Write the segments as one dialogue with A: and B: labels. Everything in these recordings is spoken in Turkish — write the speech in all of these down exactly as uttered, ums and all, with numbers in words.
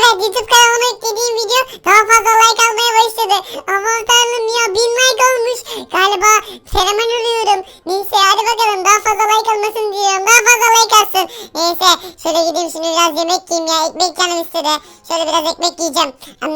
A: Evet, YouTube kanalıma yüklediğim video daha fazla like almaya başladı. Aman tanrım ya, bin like olmuş. Galiba fenomen oluyorum. Neyse hadi bakalım, daha fazla like almasın diyorum. Daha fazla like alsın. Neyse şöyle gideyim şimdi, biraz yemek yiyeyim ya. Ekmek canım istedi. Şöyle biraz ekmek yiyeceğim.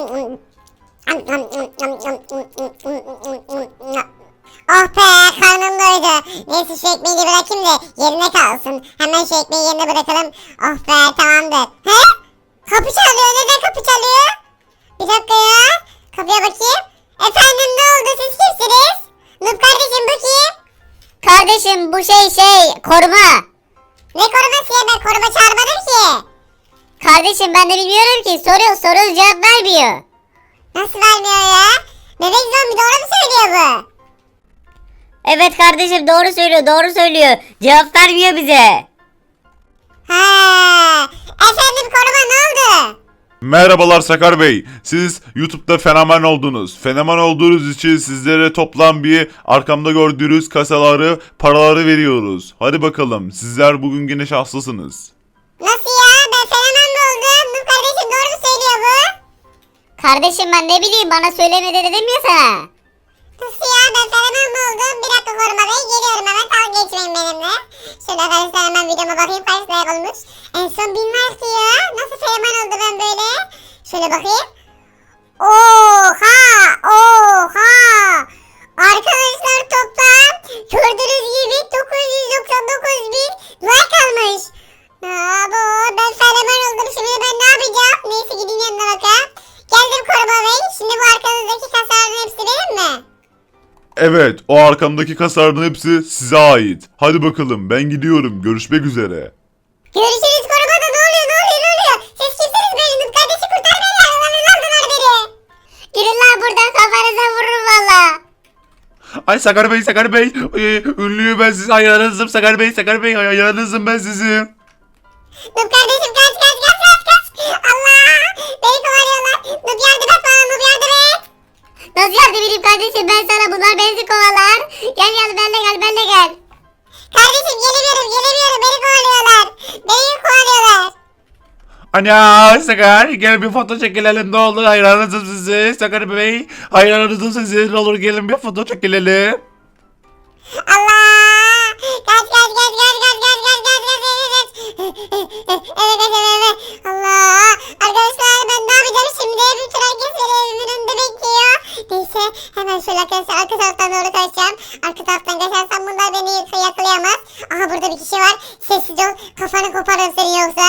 A: Oh be, karnım doydu. Neyse şu ekmeği de bırakayım da yerine kalsın. Hemen şu ekmeği yerine bırakalım. Oh be, tamamdır. He? Kapı çalıyor. Neden kapı çalıyor? Bir dakika ya. Kapıya bakayım. Efendim, ne oldu? Siz kimsiniz? Noob kardeşim, bu kim?
B: Kardeşim bu şey şey koruma.
A: Ne koruması ya, ben koruma çağırmadım ki.
B: Kardeşim ben de bilmiyorum ki, soruyor soruyoruz cevap vermiyor.
A: Nasıl vermiyor ya? Bebek zombi doğru mu söylüyor bu?
B: Evet kardeşim, doğru söylüyor doğru söylüyor. Cevap vermiyor bize.
A: Ha. Efendim koruma, ne oldu?
C: Merhabalar Sakar Bey. Siz YouTube'da fenomen oldunuz. Fenomen olduğunuz için sizlere toplam bir arkamda gördüğünüz kasaları, paraları veriyoruz. Hadi bakalım. Sizler bugün yine şanslısınız.
A: Nasıl ya? Ben fenomen mi oldum? Noob kardeşim doğru mu söylüyor bu?
B: Kardeşim ben ne bileyim, bana söylemedi dedim ya sana.
A: Nasıl ya? Ben fenomen mi oldum? Bir dakika koruma bey. Geliyorum hemen. Dalga geçmeyin benimle. Şöyle arkadaşlar hemen videoma bakayım. Kaç like olmuş? En son bin like ya. Nasıl fenomen oldu ben böyle? Şöyle bakayım. Oha! Oha! Arkadaşlar toplam gördüğünüz gibi dokuz yüz doksan dokuz bin like almış. Aa, bu ben fenomen oldum. Şimdi ben ne yapacağım? Neyse gidin yanına bakayım. Geldim koruma bey. Şimdi bu arkanızdaki kasaların hepsi benim mi?
C: Evet, o arkamdaki kasaların hepsi size ait. Hadi bakalım, ben gidiyorum. Görüşmek üzere.
A: Görüşürüz korumada. Ne oluyor ne oluyor ne oluyor? Siz kimsiniz benim? Kardeşi kurtar beni. Allah'ını aldılar beni.
B: Gidin lan buradan, kafanıza vururum valla.
C: Ay Sakar Bey, Sakar Bey. Ee, ünlüyüm ben sizin hayranınızım. Sakar Bey, Sakar Bey. Hayranınızım ben sizin.
A: Noob kardeşim kaç kaç kaç kaç kaç. Allah. Beni kovalıyorlar. Noob yardım et bana. Noob yardım et.
B: Nasıl yardım edeyim kardeşim ben sana, bunlar beni kovalar. Gel gel benle gel benle gel.
A: Kardeşim gelemiyorum gelemiyorum. Beni kovalıyorlar. Beni kovalıyorlar.
C: Ana Sakar, gel bir foto çekilelim, ne olur, hayranınızım sizi. Sakar Bey, hayranınızım sizi, ne olur gelin bir foto çekilelim.
A: Allah. Kaç kaç kaç kaç kaç kaç kaç kaç kaç kaç. Evet evet evet. Allah. Arkadaşlar ben ne yapacağım şimdi? Bütün herkes beni evimin önünde bekliyor. Neyse hemen şöyle arkadaşlar arka taraftan doğru kaçacağım. Arka taraftan kaçarsam bunlar beni yak- yakalayamaz. Aha burada bir kişi var. Sessiz ol. Kafanı koparırım seni yoksa.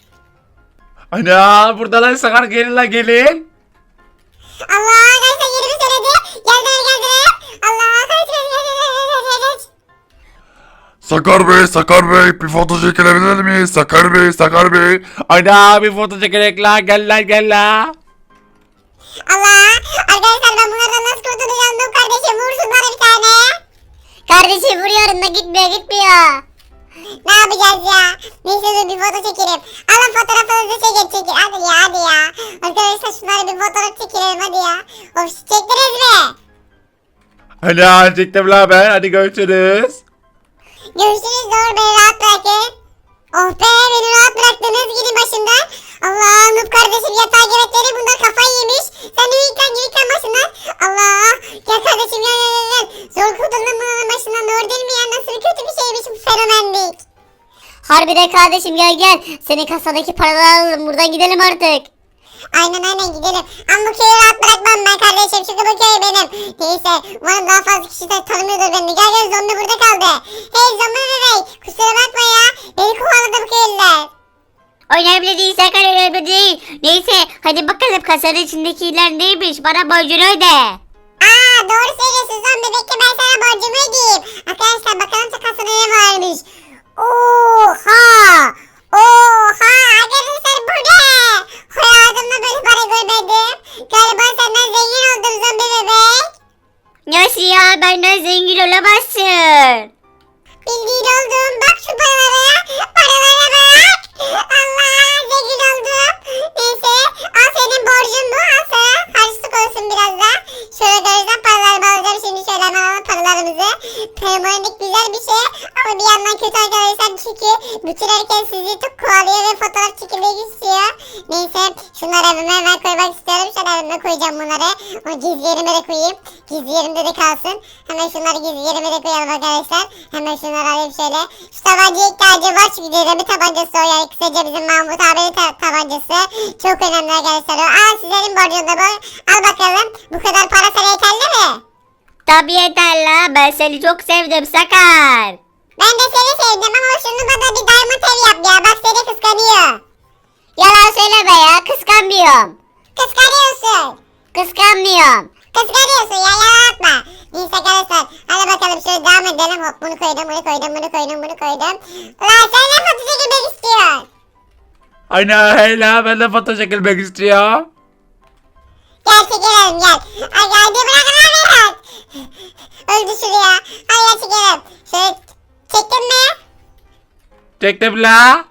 C: Ana buradalar Sakar, gelin la gelin.
A: Allah arkadaşlar yerimi söyledi. Geldiler geldiler. Allah kaç kaç kaç kaç kaç kaç.
C: Sakar Bey, Sakar Bey, bir foto çekilebilir miyiz? Sakar Bey, Sakar Bey. Ana bir foto çekilek la, gel la gel la.
A: Allah. Arkadaşlar ben bunlardan nasıl kurtulacağım? Dur kardeşim vursun bana bir tane.
B: Kardeşim vuruyorum da gitmiyor gitmiyor.
A: Ne yapacağız ya? Neyse dur bir foto çekelim. Alın fotoğrafınızı çekin çekin. Hadi ya hadi ya. Arkadaşlar şunları bir fotoğraf çekelim hadi ya. Of çektiniz mi?
C: Ana çektim la ben, hadi görüşürüz.
A: Görüşürüz, doğru beni rahat bırakın. Oh be, beni rahat bıraktınız, gidin başımdan. Allah, Noob kardeşim yatağa gerekleri, bunlar kafayı yemiş. Sen de yıkan yıkan başından. Allah, gel kardeşim gel gel gel, gel. Zor kurtuldum bunların başından, doğru değil mi ya? Nasıl kötü bir şeymiş bu fenomenlik.
B: Harbiden kardeşim gel gel. Senin kasadaki paraları alalım, buradan gidelim artık.
A: Aynen aynen gidelim. Ama bu köyü rahat bırakmam ben kardeşim, çünkü bu köy benim. Neyse, umarım daha fazla kişi de tanımıyordur beni. Gel gel, zombi burada kaldı. Hey zombi bebek, kusura bakma ya. Beni kovaladı bu köylüler.
B: Önemli değil Sakar, önemli değil. Neyse hadi bakalım kasanın içindekiler neymiş, bana borcunu öde.
A: Aa doğru söylüyorsun zombi, bekle ben sana borcumu ödeyeyim. Arkadaşlar bakalım şu kasada ne varmış. Oha! Oha! Arkadaşlar bu ne? Hayatımda böyle para görmedim. Galiba senden zengin oldum zombi bebek.
B: Nasıl ya, benden zengin olamazsın.
A: Bildiğin oldum. Bak şu paralara. Paralara bak. Allah zengin oldum. Neyse al senin borcun bu. Al sana harçlık olsun biraz da. Şöyle görürsen paralarımı alacağım şimdi. Şöyle hemen alalım paralarımızı. Pneumonik güzel bir şey. Ama bir yandan kötü arkadaşlar. Çünkü bütün herkes sizi çok kovalıyor ve fotoğraf çekilmek istiyor. Neyse bunları evime hemen koymak istiyorum. Şöyle evime koyacağım bunları. O gizli yerime de koyayım. Gizli yerimde de kalsın. Hemen şunları gizli yerime de koyalım arkadaşlar. Hemen şunları alayım şöyle. Şu tabancaya ihtiyacım var çünkü bir tabancası o yani. Kısaca bizim Mahmut abinin ta- tabancası. Çok önemli arkadaşlar o. Aa sizlerin borcunda bu. Al bakalım. Bu kadar para sana yeterli mi?
B: Tabii yeter la. Ben seni çok sevdim Sakar.
A: Ben de seni sevdim ama şunu bana bir diamond ev yap ya. Bak seni kıskanıyor.
B: Yalan söyleme ya. Kıskanmıyorum.
A: Kıskanıyorsun.
B: Kıskanmıyorum.
A: Kıskanıyorsun ya yalan atma. Neyse arkadaşlar hadi bakalım şöyle devam edelim. Hop bunu koydum bunu koydum bunu koydum bunu koydum. Lan sen ne fotoğrafı çekilmek istiyorsun?
D: Aynen öyle, ben de foto çekilmek istiyorum.
A: Gel çekelim gel. Ay geldi bırak lan beni. Öldü şuraya. Hadi gel çekelim. Şöyle çektin mi?
D: Çektim la.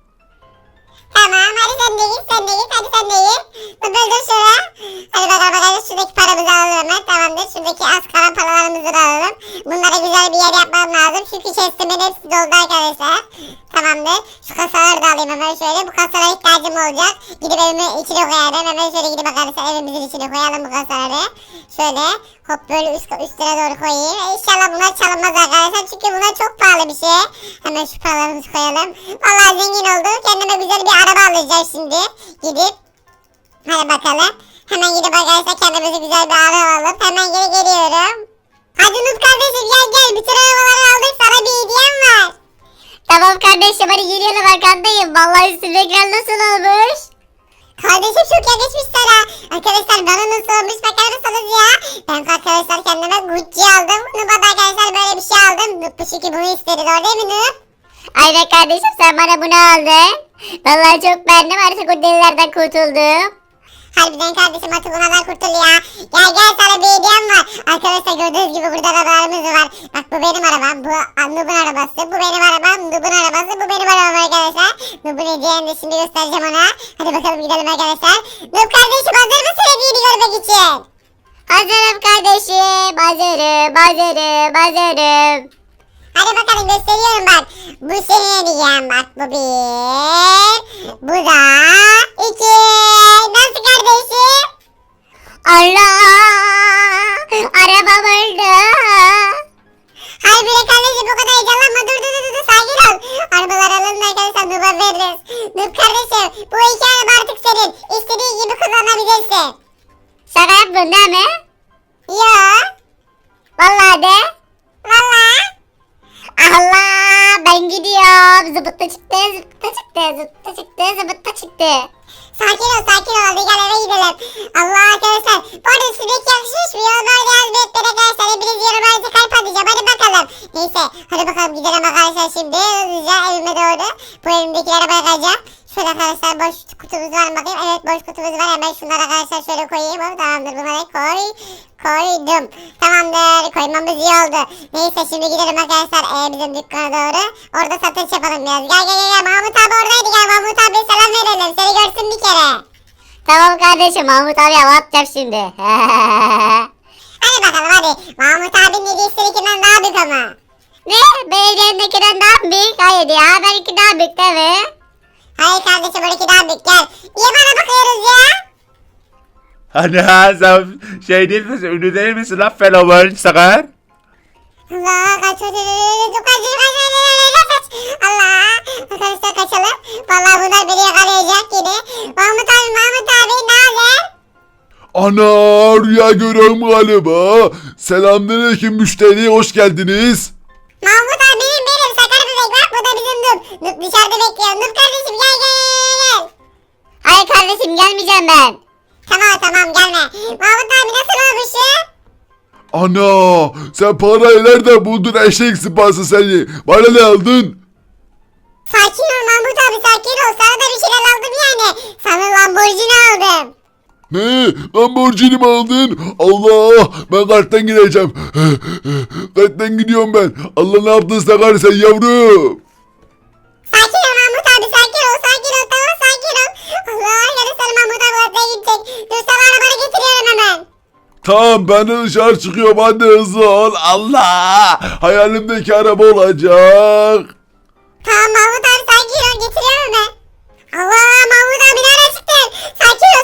A: Tamam hadi sen de git sen de git hadi sen de git. Bu böldür şuraya. Hadi bakalım bakalım şuradaki paramızı alalım hemen tamamdır. Şuradaki az kalan paralarımızı da alalım. Bunlara güzel bir yer yapmam lazım. Çünkü chestimin hepsi doldu arkadaşlar. Tamamdır. Şu kasaları da alayım hemen şöyle. Bu kasalara ihtiyacım olacak. Gidip evimin içine koyarım. Hemen şöyle gidip arkadaşlar evimizin içine koyalım bu kasaları. Şöyle hop böyle üst, üstlere doğru koyayım. E, İnşallah bunlar çalınmaz arkadaşlar. Çünkü bunlar çok pahalı bir şey. Hemen şu paralarımızı koyalım. Vallahi zengin oldum. Kendime güzel bir araba alacağım şimdi. Gidip. Hadi bakalım. Hemen gidip arkadaşlar kendimize güzel bir araba alıp hemen geri geliyorum. Hadi Nut kardeşim gel gel. Bütün arabaları aldık. Sana bir hediyem var.
B: Tamam kardeşim hadi geliyorum arkandayım. Vallahi üstündekiler nasıl olmuş?
A: Kardeşim çok yakışmış sana. Arkadaşlar bana nasıl olmuş bakar mısınız ya? Ben arkadaşlar kendime Gucci aldım. Nub'a da arkadaşlar böyle bir şey aldım. Nub bu çünkü bunu istedi doğru değil mi Nub?
B: Aynen kardeşim sen bana bunu aldın. Vallahi çok beğendim artık o delilerden kurtuldum.
A: Harbiden kardeşim artık bunlardan kurtul ya. Gel gel sana bir hediyem var. Arkadaşlar gördüğünüz gibi burada arabalarımız var. Bak bu benim arabam. Bu Nub'un arabası. Bu benim arabam. Nub'un arabası. Bu benim arabam arkadaşlar. Nub'un hediyeni de şimdi göstereceğim ona. Hadi bakalım gidelim arkadaşlar. Nub kardeşim hazır mısın hediyeni görmek için?
B: Hazırım kardeşim. Hazırım. Hazırım. Hazırım.
A: Hadi bakalım gösteriyorum bak. Bu senin hediyen bak. Bu bir. Bu da iki. Nasıl kardeşim?
B: Allah! Arabam öldü.
A: Hayır bile kardeşim bu kadar heyecanlanma. Dur dur dur dur sakin ol. Arabalar alındı arkadaşlar Nub'a veririz. Nub kardeşim bu iki araba artık senin. İstediğin gibi kullanabilirsin.
B: Şaka yaptın değil mi?
A: Yo.
B: Vallahi de.
A: Valla.
B: Allah! Ben gidiyorum. Zıbıtta çıktı. Zıbıtta çıktı. Zıbıtta çıktı. Zıbıtta çıktı.
A: Sakin ol sakin ol. Hadi gel eve gidelim. Allah arkadaşlar. Bu arada sürekli yakışmış mı? Yorumlarda yaz bir etmene arkadaşlar. Hepiniz yorumlarda kalp atacağım. Hadi bakalım. Neyse. Hadi bakalım gidelim arkadaşlar şimdi. Hızlıca evime doğru. Bu elimdekilere bakacağım. Şöyle arkadaşlar boş kutumuz var mı bakayım. Evet boş kutumuz var. Hemen şunları arkadaşlar şöyle koyayım. Hop, tamamdır bunları koy. Koydum. Tamamdır. Koymamız iyi oldu. Neyse şimdi gidelim arkadaşlar ee, bizim dükkana doğru. Orada satış yapalım biraz. Gel gel gel. Mahmut abi oradaydı. Gel Mahmut abi selam verelim. Seni görsün bir kere.
B: Tamam kardeşim. Mahmut abi hava atacağım şimdi.
A: Hadi bakalım hadi. Mahmut abinin hediyesininkinden daha büyük ama.
B: Ne? Belediyemdekinden daha mı büyük? Hayır ya. Benimki daha büyük değil mi?
A: Hayır kardeşim onunki daha büyük. Gel. Niye bana bakıyoruz ya?
D: Hani ha sen şey değil misin? Ünlü değil misin lan fenomen Sakar?
A: Allah kaç kaç kaç kaç kaç Allah arkadaşlar kaçalım. Vallahi bunlar beni yakalayacak yine. Mahmut abi Mahmut abi ne haber?
C: Ana rüya görüyorum galiba. Selamünaleyküm müşteri hoş geldiniz.
A: Mahmut abi benim benim sakar bebek bak bu da bizim Nup. Nup dışarıda bekliyor. Nup kardeşim gel gel gel.
B: Hayır kardeşim gelmeyeceğim ben.
A: Tamam tamam gelme. Mahmut abi nasıl olmuşsun?
C: Ana sen parayı nereden buldun eşek sıpası seni? Bana ne aldın?
A: Sakin ol Mahmut abi sakin ol. Sana da bir şeyler aldım yani. Sana Lamborghini aldım.
C: Ne? Lamborghini mi aldın? Allah ben karttan gideceğim. Karttan gidiyorum ben. Allah ne yaptın Sakar sen yavrum?
A: Sakin ol Mahmut abi sakin ol sakin ol tamam sakin ol. Allah yarın sana Mahmut abi ortaya gidecek. Dur sana arabanı getiriyorum hemen.
C: Tamam ben de dışarı çıkıyorum hadi hızlı ol. Allah hayalimdeki araba olacak.
A: Tamam Mahmut abi sakin ol getiriyorum hemen. Allah Mahmut abi nereye çıktın? Sakin ol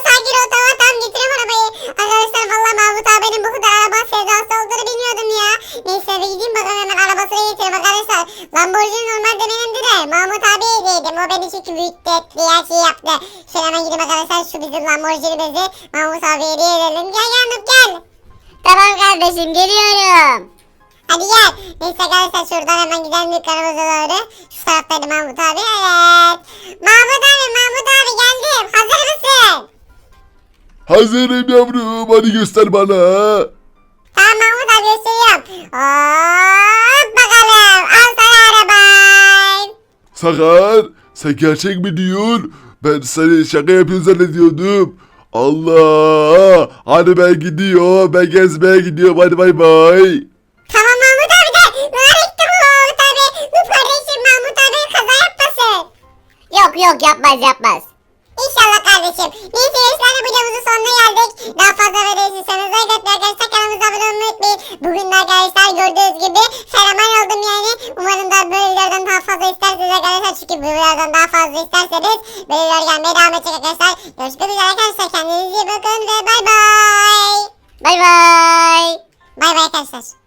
A: arkadaşlar şu bizim Lamborghini'mizi Mahmut abiye hediye edelim. Gel gel Nuh gel.
B: Tamam kardeşim geliyorum.
A: Hadi gel. Neyse arkadaşlar şuradan hemen gidelim dükkanımıza doğru. Şu taraftaydı Mahmut abi. Evet. Mahmut abi Mahmut abi geldim. Hazır mısın?
C: Hazırım yavrum, hadi göster bana.
A: Tamam Mahmut abi gösteriyorum. Hop bakalım. Al sana araban.
C: Sakar, sen gerçek mi diyorsun? Ben seni şaka yapıyorsun zannediyordum. Allah, hadi ben gidiyorum, ben gezmeye gidiyorum, hadi bay bay.
A: Tamam Mahmut abi de. Nereye gitti bu Mahmut abi? Bu kardeşim Mahmut abi kaza yapmasın.
B: Yok yok yapmaz yapmaz.
A: İnşallah kardeşim. Neyse gençler videomuzun sonuna geldik. Daha fazla video istiyorsanız like atmayı arkadaşlar kanalımıza abone olmayı unutmayın. Bugün de arkadaşlar gördüğünüz gibi fenomen oldum yani. Umarım da böyle videolardan daha fazla isterseniz arkadaşlar. Çünkü bu videolardan daha fazla isterseniz böyle videolar gelmeye devam edecek arkadaşlar. Görüşmek üzere arkadaşlar. Kendinize iyi bakın ve bay bay.
B: Bay bay.
A: Bay bay arkadaşlar.